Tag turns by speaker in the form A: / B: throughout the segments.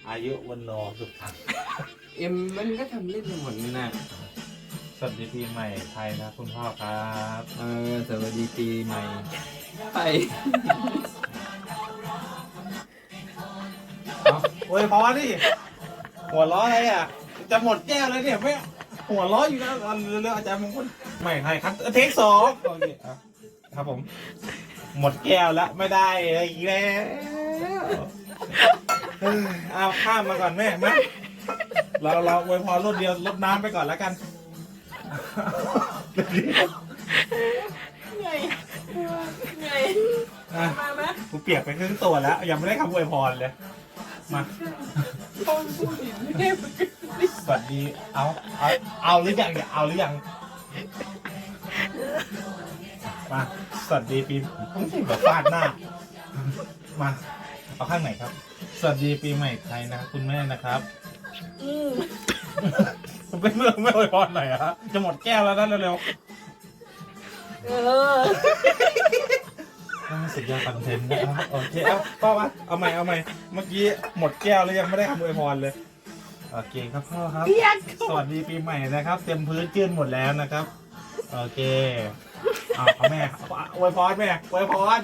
A: อายุวันโนสุขัง
B: เอ็มมันก็ทำเล่นไปหมดนี่นะ
A: สวัสดีปีใหม่ไทยนะคุณพ่อครับ
B: สวัสดีปีใหม่ไป
A: โอ้ยพอดิหัวล้ออะไรอ่ะจะหมดแก้วเลยเนี่ยไม่หัวล้ออยู่แล้วเรื่องอาจารย์มงคลใหม่ไทยครับเทค2โอเคครับผมหมดแก้วแล้วไม่ได้อะไรอีกแล้วเอาข้ามมาก่อนแม่มาเราอวยพรรถเดียวรดน้ำไปก่อนแล้วกัน
C: เหนื่อยเหนื่อยมาไหม
A: กูเปียกไปครึ่งตัวแล้วยังไม่ได้คำอวยพรเลยมา
C: ต้องพูดอีกไม่ได้
A: สวัสดีเอาหรือยังเนี่ยเอาหรือยังมาสวัสดีปีต้องสิแบบฟาดหน้ามาเอาข้างไหนครับสวัสดีปีใหม่ไทยนะครับคุณแม่นะครับเป็นเรื่องไม่อวยพรหน่อยอะจะหมดแก้วแล้วนะเร็วสุดยอดคอนเทนต์นะครับโอเคเอาพ่อมาเอาใหม่เมื่อกี้หมดแก้วแล้วยังไม่ได้คำอวยพรเลยโอเคครับพ่อครับสวัสดีปีใหม่นะครับเต็มพื้นจื้นหมดแล้วนะครับโอเคเอาแม่อวยพรแม่อวยพร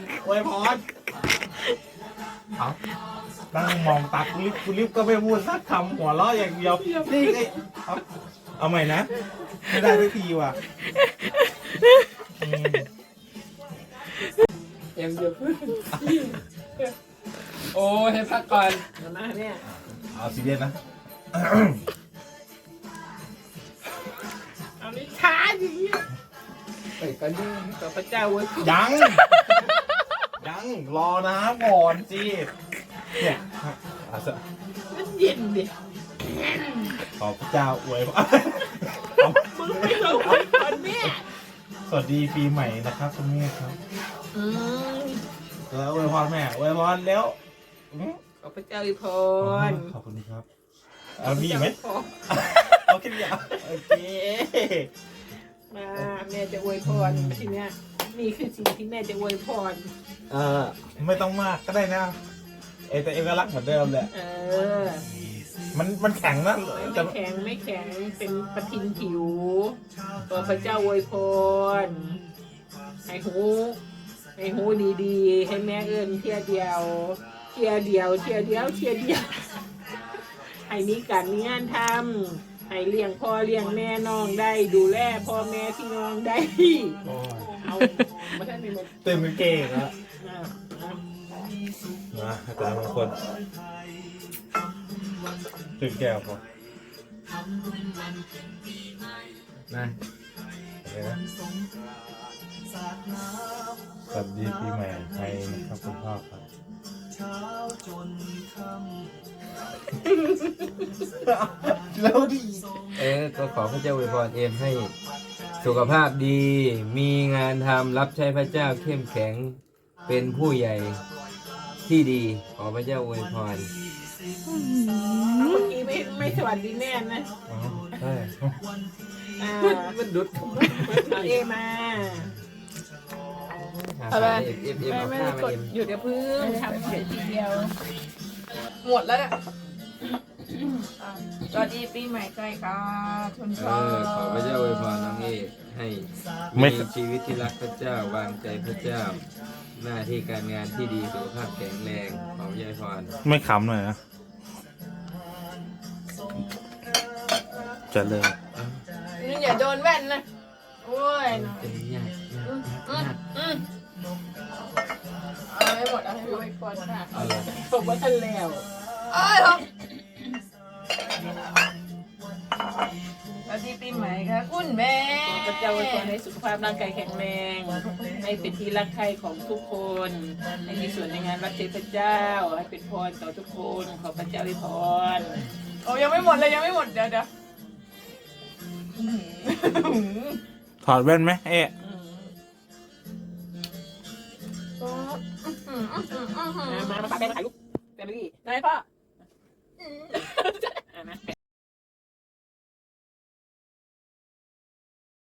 A: เอานั่งมองตาคุณลิฟก็ไม่พูดสักคำหัวเราะอย่างเดียวนี่ไงเอาใหม่นะไม่ได้ทุกทีว่ะ
B: เอ็มจะพูดโอ้ให้พักก่อน
C: มาเนี่ย
A: เอาซีเรียสนะ
C: เอานิช้าดิ
B: ไปก่อนดิ
C: ต่อพระเจ้าเว้ย
A: ยังรอนะก่อนสิเนี่ย
C: มันเย็นดิ
A: ขอพระเจ้าอวยพร
C: มึงไม่รู้คนแม่
A: สวัสดีปีใหม่นะครับคุณแม่ครับแล้วอวยพรแม่อวยพรแล้วอืม
C: ขอพระเจ้าอีพร
A: ขอบคุณครับเอามีอีกไหมเอาแค่นี้โอเค
C: มาแม่จะอวยพรทีเนี้ยนี่คือสิ่งที่แม่จะอวยพร
A: ไม่ต้องมากก็ได้นะแต่เอกลักษณ์เหมือนเดิมแหละ มันแข็งนะ
C: ไม่แข็งเป็นประทินผิวขอพระเจ้าอวยพรให้หูดีๆให้แม่เอิญเที่ยเดียวให้มีการมีงานทำให้เลี้ยงพ่อเลี้ยงแม่น้องได้ดูแลพ่อแม่พี่น้องได้เอามาท่านนี่มา
A: เต็มเก่งแล้วมาอาจารย์บางคนตื่นแก้วพอนะอะไรนะสวัสดีปีใหม่ไทยนะครับคุณพ่อครับแล้วดิ
B: ก็ขอพระเจ้าอวยพรเอ็มให้สุขภาพดี มีงานทำรับใช้พระเจ้าเข้มแข็งเป็นผู้ใหญ่ที่ดีขอพระเจ้าอวยพร
C: เมื่อกี้ไม่สวัสดีแม่นะ
A: ใช่
B: มันดุด
C: เอมา
B: อะไรเอ็ม
C: ไม่
B: เอา
C: ได้
B: ข้าว
C: ก
B: มา
C: ด
B: เอ็ม
C: หยุดเดี๋ยวพึ่งทำเสร็จทีเดียว หมดแล้วเนี่ยสวัสดีปีใหม่ใจค่ะคุณพ่อ
B: ขอพระเจ้าอวยพรน้องเอให้มีชีวิตที่รักพระเจ้าวางใจพระเจ้า หน้าที่การงานที่ดีสุขภาพแข็งแรงขอพระเจ้าอวยพร
A: ไม่ขำหน่อยนะจะเลย
C: นี่อย่าโดนแว่นนะโอ้ย
B: เป็นยาก
C: เอาให้หมดเอาให้หมดก่อนค่ะผมว่าทันแล้วสวัสดีปีใหม่ค่ะคุณแม่พระเจ้าอวยพรให้สุขภาพร่างกายแข็งแรงให้เป็นที่รักใคร่ของทุกคนให้มีส่วนในงานรับใช้พระเจ้าให้เป็นพรต่อทุกคนขอพระเจ้าอวยพรโอ้ยังไม่หมดเลยยังไม่หมดเดี๋ยว
A: ถอดแว่นไหมเอ๊ะ
C: มาปาแบงถ่ายรูปแฟมิลี่ได้พ่อ